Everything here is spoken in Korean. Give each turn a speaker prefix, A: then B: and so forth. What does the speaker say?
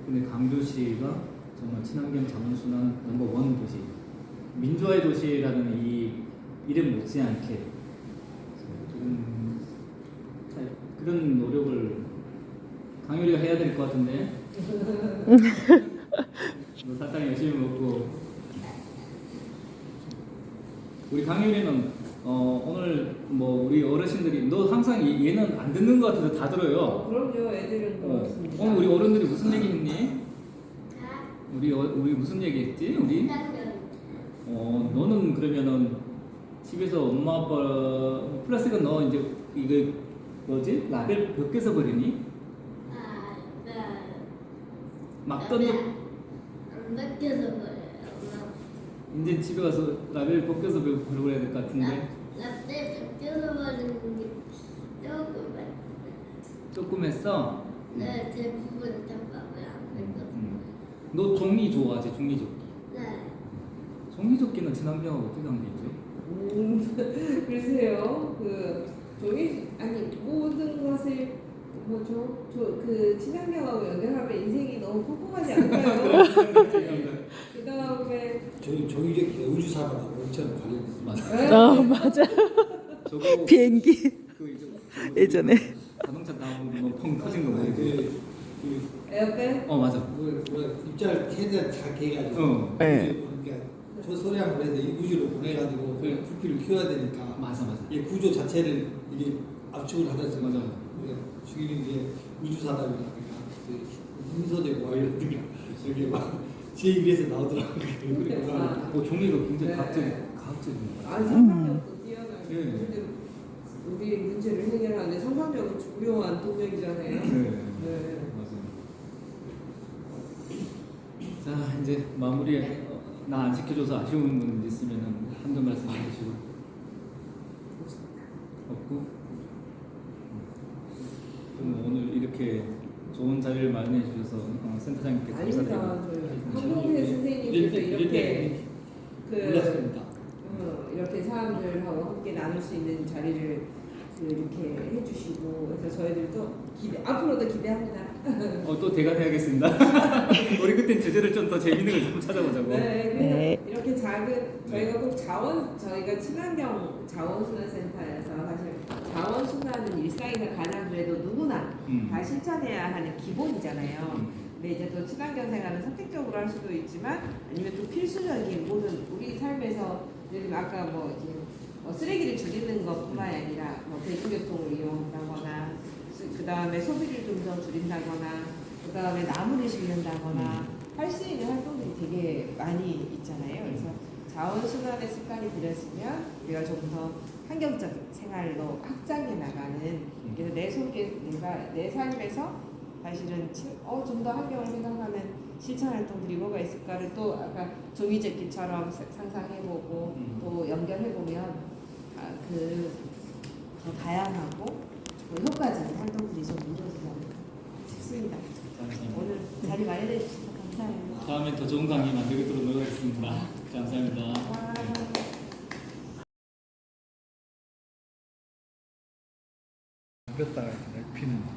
A: 근데 강주시가 정말 친환경 자원순환 넘버 1 도시, 민주화의 도시라는 이 이름 못지않게 그런 노력을 강유리가 해야 될 것 같은데. 너 사탕 열심히 먹고. 우리 강유리는 오늘 뭐 우리 어르신들이 너 항상 얘는 안 듣는 것 같아서 다 들어요.
B: 그럼요, 애들은 그렇습니다.
A: 오늘 우리 어른들이 무슨 얘기 했니? 우리 무슨 얘기 했지? 우리? 너는 그러면은 집에서 엄마 아빠 플라스틱은 너 이제 이거 뭐지? 라벨 몇 개 써버리니? 막 던져.
C: 몇 개 써버려요.
A: 이제 집에 가서 라벨 벗겨서 버려야 될 것 같은데.
C: 라벨 벗겨서 버리는 게
A: 조금 했어?
C: 네, 대부분 다 봐봐요. 안 되거든요.
A: 너 종이 좋아하지? 종이조끼.
C: 네.
A: 종이조끼는 친환경하고 어떻게 관계있지?
B: 글쎄요, 종이 아니 모든 것을 그 친환경하고 연결하면 인생이 너무 꼼꼼하지 않나요? 그 다음에
D: 종이조끼 우주사관하고 엄청 관련이 있습니다.
A: 맞아. 저거
E: 비행기
A: 그
E: 예전에
A: 자동차 나오는 거펑 터진 거 뭐지?
B: 에어백?
A: 맞아.
D: 입자를 최대한 작게 해가지고
E: 네.
D: 그러니까 저 소량을 해서 이 우주로 보내가지고
A: 그래.
D: 부피를 키워야 되니까
A: 맞아.
D: 이 구조 자체를 이게 압축을 하면서
A: 맞아.
D: 죽이는 게 우주사람이라든가 힘소재고 이런 이렇게 막 제 입에서 나오더라고요.
A: 종이가 굉장히
B: 네.
A: 과학적입니다.
B: 아니 상상력도 뛰어나요.
A: 네.
B: 우리 문제를 해결하는데 상상력은 중요한 동력이잖아요. 네.
A: 맞아요. 자, 이제 마무리. 나 안 지켜줘서 아쉬운 분 있으면 한두 말씀 해주시고. 없고. 그럼 오늘 이렇게 좋은 자리를 마련해 주셔서 센터장님께
B: 아닙니다.
A: 감사드립니다.
B: 한동태 선생님께서 이렇게
D: 몰랐습니다.
B: 이렇게 사람들하고 함께 나눌 수 있는 자리를 이렇게 해주시고 그래서 저희들도 앞으로도 기대합니다.
A: 또 대관해야겠습니다. 우리 그때 주제를 좀 더 재밌는 걸 좀 찾아보자고.
B: 네, 이렇게 작은 저희가 꼭 저희가 친환경 자원순환센터에서 사실 자원순환은 일상에서 가장 그래도 누구나 다 실천해야 하는 기본이잖아요. 근데 이제 또 친환경 생활은 선택적으로 할 수도 있지만 아니면 또 필수적인 모든 우리 삶에서 예를 들면 아까 쓰레기를 줄이는 것뿐만 아니라 대중교통을 이용한다거나 그 다음에 소비를 좀 더 줄인다거나 그 다음에 나무를 심는다거나 할 수 있는 활동들이 되게 많이 있잖아요. 그래서 자원순환의 습관이 들였으면 우리가 좀 더 환경적인 생활로 확장해 나가는 그래서 내 삶에서 사실은 좀 더 환경을 생각하는 실천 활동들이 뭐가 있을까를 또 아까 종이접기처럼 상상해보고 또 연결해보면 더 다양하고 효과적인 활동들이 좀 이루어지지 않을까 싶습니다. 오늘 자리 마련해 주셔서 감사해요.
A: 다음에 더 좋은 강의 만들도록 노력하겠습니다. 감사합니다.
D: 몇 달, 피는